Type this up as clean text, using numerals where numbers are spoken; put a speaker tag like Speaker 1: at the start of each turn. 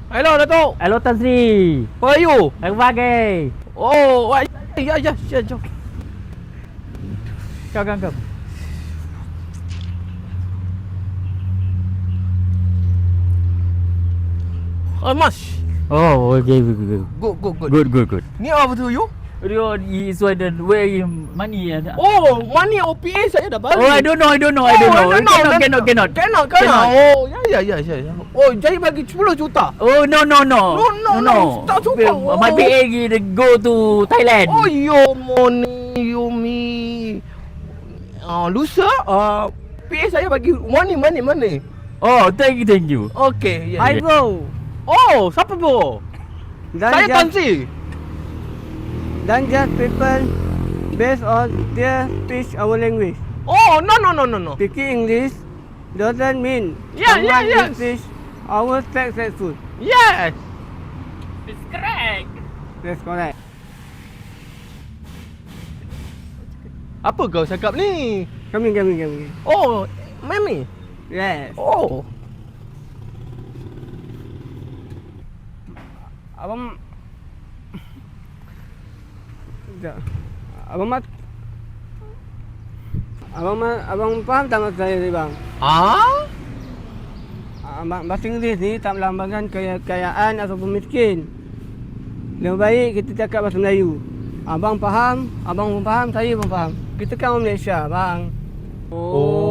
Speaker 1: Hello, Datuk.
Speaker 2: Hello Tan Sri.
Speaker 1: How are you?
Speaker 2: Selamat pagi.
Speaker 1: Oh, ya, jom.
Speaker 2: Kau.
Speaker 1: Mas.
Speaker 2: Oh, okay. Good.
Speaker 1: Ni apa tu you?
Speaker 2: Is the way money.
Speaker 1: Oh, money OPA saya dah balik.
Speaker 2: Oh, I don't know. Cannot.
Speaker 1: Oh, ya. Oh, jadi bagi 10 juta.
Speaker 2: Oh, no.
Speaker 1: No. Tak cukup.
Speaker 2: My PA go to Thailand.
Speaker 1: Oh, you me. Lusa, PA saya bagi money.
Speaker 2: Oh, thank you.
Speaker 1: Okay, ya.
Speaker 3: Hi bro.
Speaker 1: Oh, siapa bro? Saya Tan Sri.
Speaker 3: Don't judge people based on their speech our language.
Speaker 1: Oh, no.
Speaker 3: Speaking English doesn't mean
Speaker 1: Yeah,
Speaker 3: someone
Speaker 1: yes.
Speaker 3: will speak our successful.
Speaker 1: Yes.
Speaker 2: It's correct.
Speaker 3: That's correct.
Speaker 1: Apa kau cakap ni?
Speaker 3: Kami.
Speaker 1: Oh, Mami.
Speaker 3: Yes.
Speaker 1: Oh.
Speaker 3: Abang faham tak maksud saya ni bang? Bahasa Inggeris ni tak melambangkan kekayaan ataupun miskin. Lebih baik kita cakap bahasa Melayu. Abang pun faham, saya pun faham. Kita kan orang Malaysia bang.
Speaker 1: Oh.